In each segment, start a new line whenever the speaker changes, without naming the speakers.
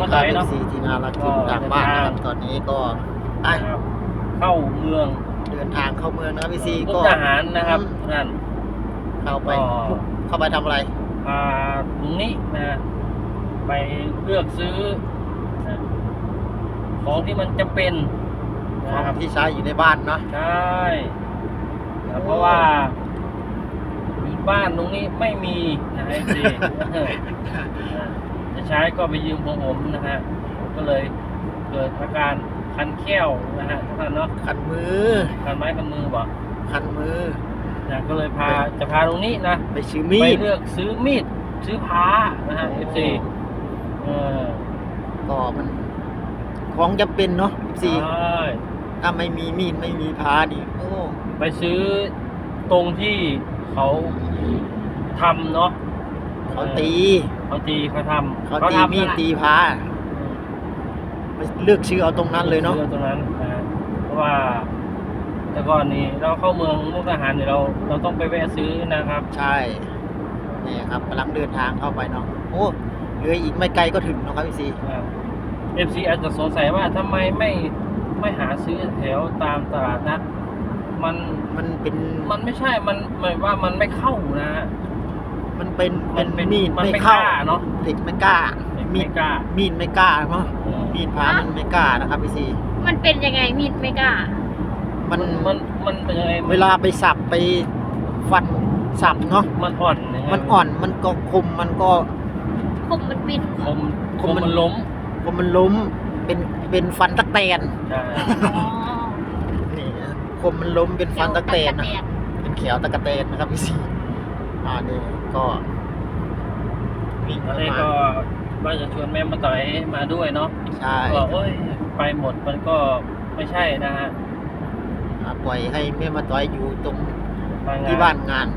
มา
ค
ต่
รั
อบ ยเนาะ
ซีทีมงานเราถึงทางบ้านนะครับตอนนี้ก็ไป
นะครับเข้าเมือง
เดินทางเข้าเมืองนะครับพี่ซี
มุ
ก็
กดาหารนะครับนั่น
เข้าไป
ก็
เข้าไปทำอะไร
พาลุงนี้นะไปเลือกซื้อนะของที่มันจะเป็น
ข
นะ
อง
ครับ
ที่ใช้อยู่ในบ้านเนาะ
ใช่นะเพราะว่าอยู่บ้านตรงนี้ไม่มีนะไอ้สิ จะใช้ก็ไปยืมของผมนะฮะผมก็เลยเกิดอาการคันแข้วนะฮะทุกท่านเนาะ
ขันมือ
คันไม้คันมือบอก
ขันมือ
นะก็เลยจะพาตรงนี้นะ
ไปซื้อมี
ไป
ด
เลือกซื้อมีดซื้อผ้านะฮะ FC
ก็มันของจำเป็นเนาะพี่ซี
ใช่
ถ้าไม่มีมีดไม่มีพาดิโอ้
ไปซื้อตรงที่เขาทำเนาะ
เขาตี
เขาทำ
เขาตี
ทำ
มีด
นั่นแหละ
ตีพาไปเลือกชื่อเอาตรงนั้นเลยเนาะ
ซื้อตรงนั้นนะฮะเพราะว่าแต่ก่อนนี้เราเข้าเมืองมุกดาหารเนี่ยเราต้องไปแวะซื้อนะครับ
ใช่นี่ครับกำลังเดินทางเข้าไปเนาะโอ้เหลืออีกไม่ไกลก็ถึงเนาะครับพี่ซี
FC อาจจะสงสัยว่าทำไมไม่หาซื้อแถวตามตลาดนัดมัน
มันเป็น
ไม่ใช่มันหมายว่ามันไม่เข้านะ
มันเป็น
มันเป็น
มีด
มัน
ไม่
ไม่
เข้าก
ล้าเนาะ
เด็กไม่กล้า
ไม่
มีด
กล้า
มีดไม่กล้าเนาะ
อืม
มีดพามันไม่กล้านะครับพี่ซี
มันเป็นยังไงมีดไม่กล้า
มัน
มันเป็นยังไง
เวลาไปสับไปฟันสับเนาะ
มันอ่อนยังไง
มันอ่อนมันก็คมมันก็
คมมันบิน
คม
คมมัน
มันล้ม
คมมันล้มเป็นฟันตะแตน
ใช่
อ๋อ
นี่คมมันล้มเป็นฟันตะแตนนะ
เดี๋ยว
เป็นเขียวตะกะแตนนะครับพี่ซีนี่ก็วิ่ง
ตอ
เข้าน
แรก
มา
ก็ว่าจะชวนแม่มาต่อยมาด้วยเนาะ
ใช่
ก็โอ้ยไปหมดมันก็ไม่ใช่นะฮะ
ปล่อยให้แม่มาต่อยอยู่ตรง
มง
ที่บ้านงาน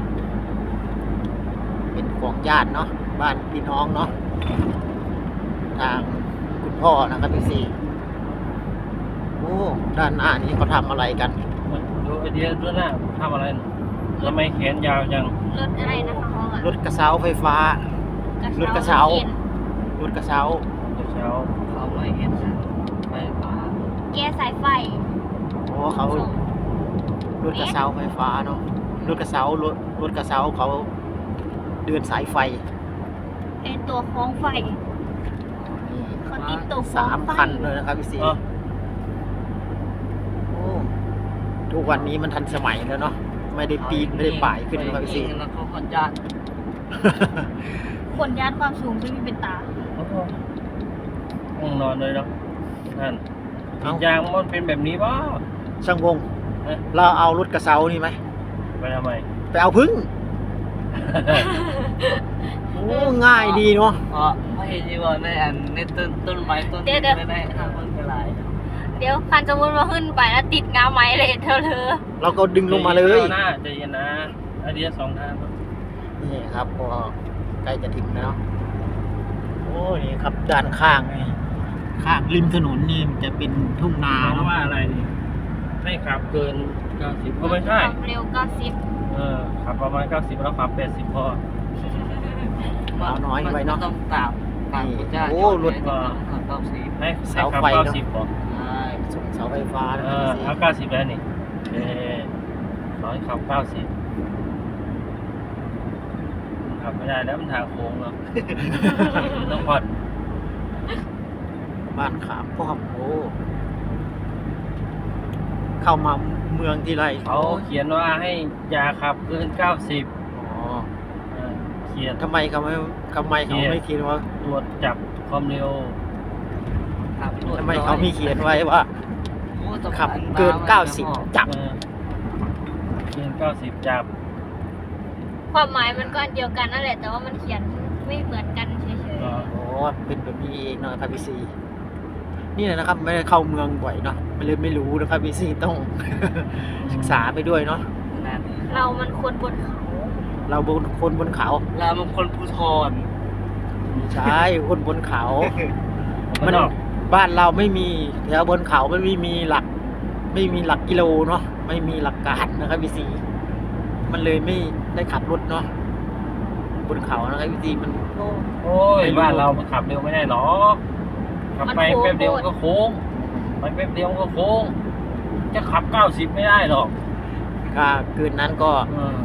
เป็นของญาติเนาะบ้านพี่น้องเนาะทางคุณพ่อนะครับพี่ซีโอ้ด้านหน้านี้เขาทำอะไรกัน
ดูไอเดียด้วยนะทำอะไรน่ะทำไมแขนยาวจัง
รถอะไรนะคะเขาอะ
รถกระเช้าไฟฟ้า รถกระเช้า รถกระเช้า
เช้า
เขาไม่เห็นไฟฟ้า
แก้สายไฟ
โอ้เขารถกระเช้าไฟฟ้าเนาะรถกระเช้ารถกระเช้าเขาเดินสายไฟ
เป็นตัวคล้องไฟ
นี่
เขาติดตัวคล้องไฟ
3 คันเลยนะครับพี่ซี
เออ
โอ้ทุกวันนี้มันทันสมัยแล้วเนาะไม่ได้ปีนไม่ได้ป่ายขึ้นนะครับพี่ซี
แล้วก็คนญาติ
คนยัดความสูงจะมีเป็นตา
ห้องนอนเลยเนาะนั่น
เอ้า
ยางมันเป็นแบบนี้ป่ะ
ช่างวง
เอ๊ะ
เราเอารถกระเช้านี่ไหม
ไปทำไม
ไปเอาพึ่งโอ้ง่ายดีเนาะ
เพราะไม่เห็นที่ว่าในอันในต้นไม้ต้นนี้ไม่ได้ทางคนกระไร
เดี๋ยวคันสมมติว่าขึ้นไปแล้วติดงาไม้เลยเธอ
เราก็ดึงลงมาเลย
หน้าใจเย็นนะไอเดียสองทางครับ
นี่ครับก็ใกล้จะถึงแล้วเนาะโอ้นี่ครับด้านข้างนี่ข้างริมถนนนี่มันจะเป็นทุ่งนา
เพราะ
เนาะ
ว่าอะไรนี่ไม่ขับเกิน 90ก็ไม่
ค
ใช่
วามเร็ว90
ขับประมาณ 90 แล้วขับ 80พอ
เอาน้อยไปเนาะ
ต้องตามคุณญาติ
โอ้รถ
ต้องสี
ให้
เสา
ขับ
ไฟเนอะ
90พอ
ใช่
ส่งเสาไฟฟ้านะครับพี่ซี
เอา90แล้วนี่ร้อยขับ 90ขับไม่ได้แล้วมันทางโค้งเนาะ ต้องผ่อน
บ้านขามป้อมโอ้เข้ามาเมืองที่ไร
เขาเขียนว่าให้อย่าขับเกิน 90
อ๋อ
เขียน
ทำไมเขาไม่เขียนว่า
ตรวจจับความเร็ว
ทำไมเขาไม่เขียนไว้ว่าขับเกิน 90 จับ
เกิน 90 จับ
ความหมายมันก็อันเดียวกันนั่นแหละ แต่ว่ามันเขียนไม่เหมือนกันเฉย
อ๋อเป็นแบบนี้เองเนาะครับพี่ซีนี่แหละนะครับไม่ได้เข้าเมืองบ่อยเนาะไม่เลยไม่รู้นะครับพี่ซีต้อง ศึกษาไปด้วยเนาะ
นั่น
ๆเรามันคนบนเขา
เราบนคนบนเขา
เราเป็นคนภูทร
ใช่คนบนเขา
มั
มัน น
ออก
บ้านเราไม่มีแถวบนเขาไม่มีหลัก ไม่มีหลักกิโลเนาะไม่มีหลักการนะครับพี่ซีมันเลยไม่ได้ขับรถเนาะบนเขานะครับพี่ซีมัน
โอ้ย
ไม่รู้
บ้านเราขับเร็วไม่ได้หรอก
ม
ขับ
มัน
ไป
โค้ง
แป๊บเดียว
โคตร
ก็โค้งไปแป๊บเดียวก็โค้ง จะขับ 90 ไม่ได้หรอก
ถ้าคืนนั้นก็
เออ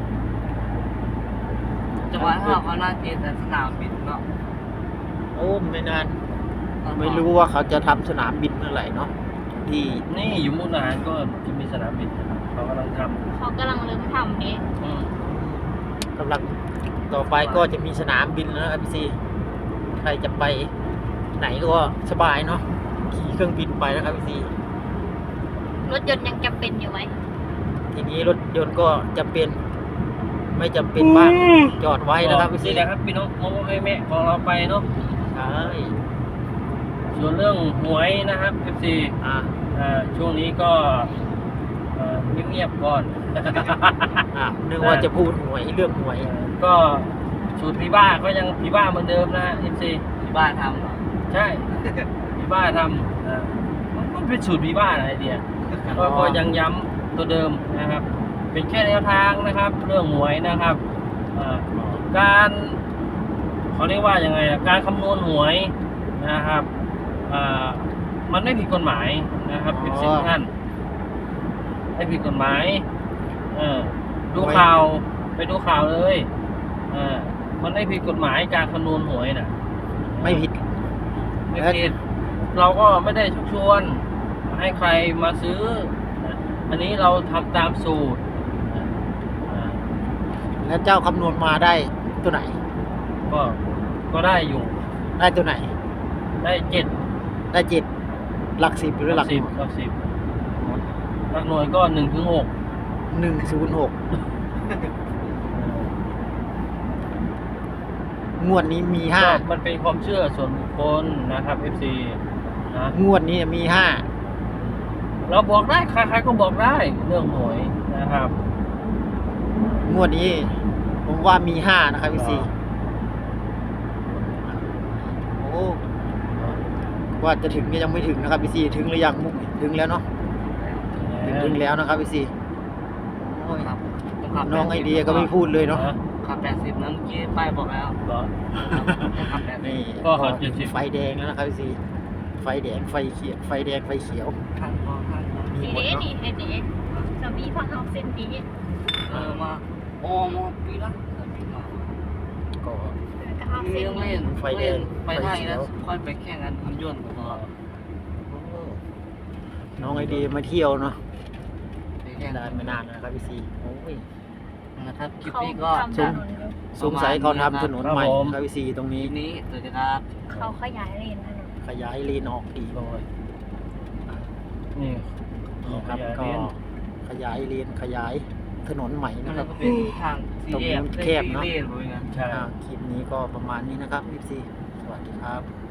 จังหวะที่เขาน่ากินแต่สนามบินเนาะ
โอ้ไม่นาน ไม่รู้ว่าเขาจะทำสนามบินเมื่อไหร่เนาะที่
นี่อยู่มุกดาหารก็จะมีสนามบินนะครับเขากำลังท
เขากำลังเริ่มทำนี้
ำอืม
กำลังต่อไปก็จะมีสนามบินแล้วนะครับพี่ซีใครจะไปไหนก็สบายเนาะขี่เครื่องบินไปนะครับพี่ซี
รถยนต์ยังจำเป็นอยู่ไหม
ทีนี้รถยนต์ก็จะเป็นไม่จำเป็นบ้างจอดไว้นะครับพี่ซี
นี่แหละครับพี่น้องโมโมแม่ของเราไปเนาะ
ใช่
ส่วนเรื่องหวยนะครับ FC
อ่า
ช่วงนี้ก็เงียบๆก่อน
นึกว่าจะพูดหวยเรื่องหวย
ก็สูตรพี่บ้าก็ยังพี่บ้าเหมือนเดิมนะ FC
ที่บ้านทำเหรอ
ใช่ พี่บ้าทำมันเป็นสูตรพี่บ้าอะไรเดียก็ยังย้ำตัวเดิมนะครับ เป็นแค่แนวทางนะครับ เรื่องหวยนะครับการเขาเรียกว่ายังไงอะการคำนวณหวยนะครับมันไม่ผิดกฎหมายนะครับเป็นสิ่งท่านไม่ผิดกฎหมายดูข่าวไปดูข่าวเลยมันไม่ผิดกฎหมายการคำนวณหวยน่ะ
ไม่ผิด
ไม่ผิดเราก็ไม่ได้ชักชวนให้ใครมาซื้ออันนี้เราทำตามสูตร
แล้วเจ้าคำนวณมาได้ตัวไหน
ก็ได้อยู่
ได้ตัวไหน
ได้7
ได้7หลัก10หรือหลัก
10หลัก10หลักหน่วยก็1 ถึง 6
106งวดนี้มี
ก็มันเป็นความเชื่อส่วนบุคคลนะครับ FC นะ
5งวดนี้มี
เราบอกได้ใครๆก็บอกได้เรื่องหวยนะครับ
5งวดนี้ผมว่ามี5นะครับพี่ซีโอ้ว่าจะถึงก็ยังไม่ถึงนะครับพี่ซีถึงหรือยังมุกถึงแล้วเนาะถึงแล้วนะครับพี่ซีโอ้ย
ครับต้องขับ
น้องไอเดียก็ไม่พูดเลยเนาะ
ขับ80นั้นเมื่อกี้ป้ายบอกแล้ว
เหรอ
ต้องขับ80
นี่
ก็ขอ70
ไฟแดงแล้วนะครับพี่ซีไฟแดงไฟเขียวไฟแดงไฟเขียว
ข้างมองข้างมอง
มี
ดี
หมด
เด้
เนาะ
ดีเด้ดีจะมีพังเอาเส้นดี
มาโอ้มองปีละปีละ
ก็
ก็เอาเส้น
เล่น
ไฟแดง
ไปได้
ไฟเขียว
แล้วค่อยไปแข่งกันทำยนต์ก็
น้องไอเดียมาเที่ยวเนาะ
ไปแข่ง
ได้ไม่นานนะครับพี่ซีโอ้ย
นะครับคลิป
เขา
นี้ก็
ทำถนนอยู่
สงสัยเขาทำถนนใหม่
ครับผม
ครับพี่ซีตรง
ค
นี้
ลิปนี้สวัสดีครับ
เขาขยายเลนถนน
ขยายเลนออกอีก
โดยนี่
นี่ครับ
ขยาย
ก็
เลน
ขยายเลนขยายถนนใหม่
มั
นะ
น
ครับ
ก็เป็นทางสี่แยก
ตรงนี้แคบเนอะ
สี่เลนเลยนะ
ใช่
คลิปนี้ก็ประมาณนี้นะครับพี่ซีสวัสดีครับ